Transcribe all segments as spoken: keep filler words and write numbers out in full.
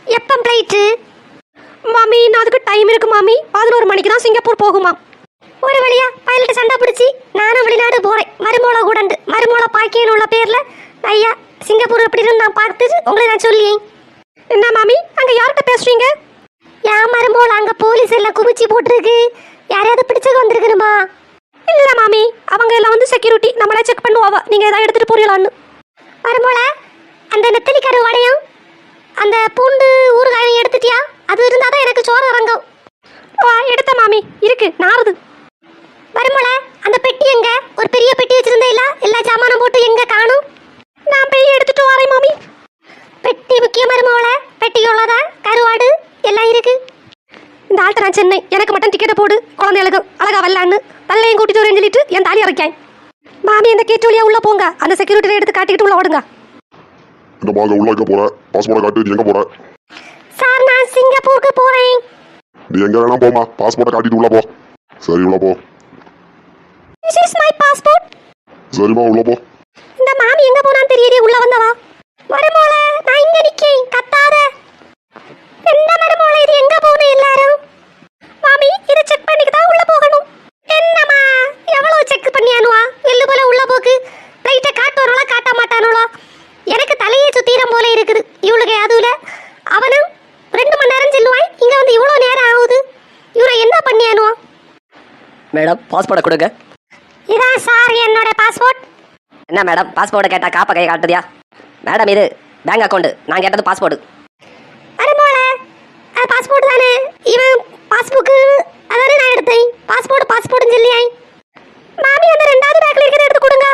எப்போ ஃப்ளைட்டு? மாமி நான் அதுக்கு டைம் இருக்கு மாமி. பதினோரு மணிக்கு தான் சிங்கப்பூர் போகுமா. ஒரு வழியா பைலட்டு சண்டை பிடிச்சி நானும் வெளிநாடு போகிறேன். மருமோளை கூடண்டு மருமோளை பாக்கியன்னு உள்ள பேரில் ஐயா சிங்கப்பூர் எப்படின்னு நான் பார்த்துட்டு உங்களை நான் சொல்லியேன். என்ன மாமி அங்கே யார்கிட்ட பேசுறீங்க? ஏன் மருமோளை அங்கே போலீஸ் எல்லாம் குமிச்சு போட்டிருக்கு. யாரையாவது பிடிச்சக்கு வந்திருக்கணுமா? இல்லை மாமி அவங்க எல்லாம் வந்து செக்யூரிட்டி நம்மளே செக் பண்ணுவாவா நீங்கள் எதாவது எடுத்துகிட்டு போறீங்களான்னு. மருமோளை அந்த நெத்தலி கரு வடையும் அந்த பூண்டு ஊறுகாயும் எடுத்துட்டியா? அது இருந்தால் தான் எனக்கு சோறு இறங்கும். வா எடுத்த மாமி இருக்கு நாறுது. மருமோளை அந்த பெட்டி எங்க? ஒரு பெரிய பெட்டி வச்சிருந்தே இல்ல எல்லா சாமானும் போட்டு எங்க காணும்? நான் போய் எடுத்துட்டு வரேன் மாமி. பெட்டி முக்கியம் மருமோளை. பெட்டிக்குள்ளதான் கருவாடு எல்லாம் இருக்கு. இந்த ஆள்கிட்ட நான் சென்னை எனக்கு மட்டும் டிக்கெட்டை போடு குழந்தைகளுக்கு அழகா வரலான்னு தள்ளையும் கூட்டிட்டு வரேன்னு சொல்லிட்டு என் தாலி இறக்கேன். மாமி அந்த கேட்டு வழியா உள்ள போங்க. அந்த செக்யூரிட்டி எடுத்து காட்டிக்கிட்டு உள்ள ஓடுங்க. இந்த மாங்க உள்ள வைக்க போற பாஸ்போர்ட் காட்டு. நீ எங்க போற? சார் நான் சிங்கப்பூருக்கு போறேன். நீ எங்க வேணா போமா, பாஸ்போர்ட் காட்டிட்டு உள்ள போ. சரி உள்ள போ. This is my passport. சரிமா உள்ள போ. இந்த மாமி எங்க போனான்னு தெரியல. உள்ள வந்தவா? மருமோளை நான் இங்க நிக்கேன் கத்தாத. என்ன மருமோளை இது எங்க போகணும் எல்லாரும்? மாமி இதை செக் பண்ணிட்டு தான் உள்ள போகணும். என்னம்மா எவ்வளவு செக் பண்ணியானுவா? எள்ளு போல உள்ள போக்கு. லைட்டை காட்டுவானுவா காட்ட மாட்டானுவா? எனக்கு தலையே சுத்திரம் போல இருக்குது. இவளுக்கு அதுல அவனும் ரெண்டு மணி நேரம் செல்லுவான். இங்க வந்து இவ்வளவு நேரம் ஆகுது. இவரை என்ன பண்ணியானுவா? மேடம் பாஸ்போர்ட்டை கொடுங்க. இதான் சார் என்னோட பாஸ்போர்ட். என்ன மேடம் பாஸ்போர்ட்டை கேட்டால் காப்பை கை காட்டுதியா? மேடம் இது பேங்க் அக்கௌண்ட், நான் கேட்டது பாஸ்போர்ட். மருமோளை அது பாஸ்போர்ட் தானே. இவன் பாஸ்புக்கு அதானே நான் எடுத்தேன். பாஸ்போர்ட் பாஸ்போர்ட்னு சொல்லியாய். மாமி அந்த ரெண்டாவது பேக்ல இருக்கிறத எடுத்து கொடுங்க.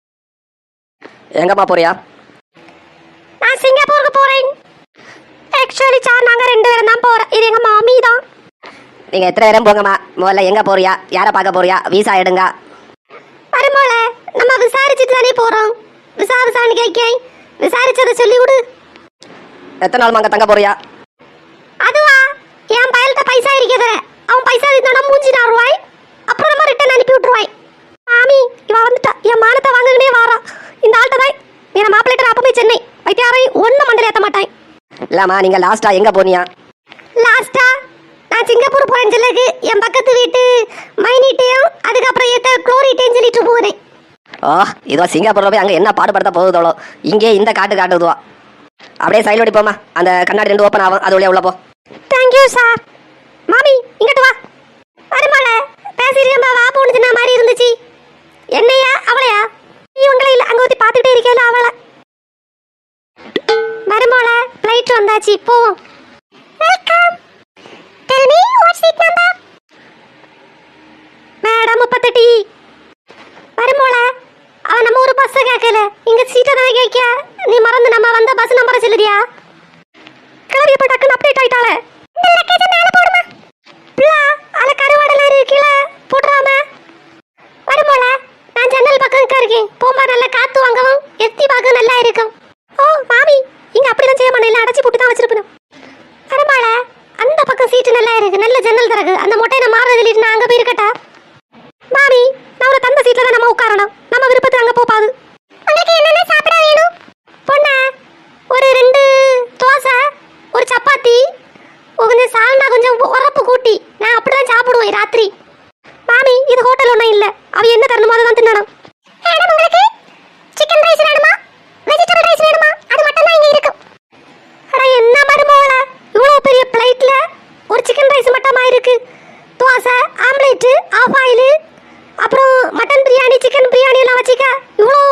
எங்கம்மா போறியா? நான் சிங்கப்பூருக்கு போறேன். ஆக்சுவலி சார் நாங்க ரெண்டு பேரும் தான் போறோம். இது எங்க மாமி தான். நீங்கள் எத்தனை நேரம் போங்கம்மா. முதல்ல எங்கே போறியா, யாரை பார்க்க போறியா, வீசா எடுங்க. மருமோளை நம்ம விசாரிச்சுட்டு தானே போறோம். விசா விசான்னு கேட்கேன். விசாரிச்சதை சொல்லி விடு. எத்தனை நாள் அங்கே தங்க போறியா? அதுவா என் பயல்கிட்ட பைசா இருக்கிறத அவன் பைசா இருந்தா மூஞ்சி நாருவாய். அப்புறம் நம்ம ரிட்டர்ன் அனுப்பி விட்டுருவாய். மாமி இவ வந்துட்டா. என் மானத்தை வாங்கனே வாரா. இந்த ஆள்கிட்ட தான் என் மாப்பிள்ளைட்ட அப்பவே சென்னை வைத்தியாரை ஒன்றும் மண்டல ஏற்ற மாட்டேன். இல்லைம்மா நீங்கள் லாஸ்ட்டாக எங்கே போனியா? லாஸ்டா நான் சிங்கப்பூர் போறேன் சொல்லுக்கு என் பக்கத்து வீட்டு மைனிட்டையும் அதுக்கப்புறம் ஏத்த குளோரிட்டையும் சொல்லிட்டு போறேன். ஓ இதோ சிங்கப்பூரில் போய் அங்கே என்ன பாடுபடுத்த போகுதோளோ. இங்கே இந்த காட்டு காட்டுதுவா. அப்படியே சைடு ஓடி போமா. அந்த கண்ணாடி ரெண்டு ஓப்பன் ஆகும், அது வழியா உள்ள போ. Thank you sir. மாமி இங்கிட்டு வா. மருமோளை பேசிருக்கா வா போன்னு சொன்ன மாதிரி இருந்துச்சு. என்னையா அவளையா? இவங்களே இல்லை அங்கே ஊற்றி பார்த்துக்கிட்டே இருக்கல அவளை. மருமோளை ஃப்ளைட் வந்தாச்சு போவோம். Welcome. Tell me what seat number? Madam முப்பத்தெட்டு. மருமோளை அவன் நம்ம ஒரு பஸ் கேட்கல. இங்க சீட்டை தான் கேட்க. நீ மறந்து நம்ம வந்த பஸ் நம்பரை சொல்லுறியா? கிளம்பி இப்போ டக்குன்னு அப்டேட் ஆயிட்டாளே. இந்த லக்கேஜை மேலே போடுமா? பிள்ளா அல கருவாடெல்லாம் இருக்கீல போடுறாம. மருமோளை நான் ஜன்னல் பக்கம் இருக்கேன். போமா நல்லா காத்து வாங்கவும் எத்தி பார்க்க நல்லா இருக்கும். ஓ மாமி இங்க அப்படிலாம் செய்ய மாட்டேன். அடைச்சி போட்டு தான் வச்சிருப்பேன். மருமோளை அந்த பக்கம் சீட்டு நல்லா இருக்கு. நல்ல ஜன்னல் திறகு. அந்த மொட்டை நான் மாற சொல்லிட்டு நான் அங்கே போய் இருக்கட்டா? மாமி நான் ஒரு தந்த சீட்ல தான் நம்ம உட்காரணும். நம்ம விருப்பத்துக்கு அங்கே போப்பாது. உங்களுக்கு என்னென்ன சாப்பிட வேணும்? பொண்ணு ஒரு ரெண்டு தோசை ஒரு சப்பாத்தி கொஞ்சம் சால்னா கொஞ்சம் உரப்பு கூட்டி நான் அப்படிதான் சாப்பிடுவேன் ராத்திரி. மாமி இது ஹோட்டல் ஒன்றும் இல்லை. அவ என்ன தரணுமோ அதை தான் தின்னணும். மேடம் உங்களுக்கு சிக்கன் ரைஸ் வேணுமா வெஜிடபிள் ரைஸ் வேணுமா? அது மட்டும் தான் இங்கே இருக்கும். அட என்ன மருமோளை இவ்வளோ பெரிய பிளைட்ல ஒரு சிக்கன் ரைஸ் மட்டுமா இருக்கு? தோசை ஆம்லேட்டு ஆஃப் ஆயில் அப்புறம் மட்டன் பிரியாணி சிக்கன் பிரியாணி எல்லாம் வச்சுக்க இவ்வளோ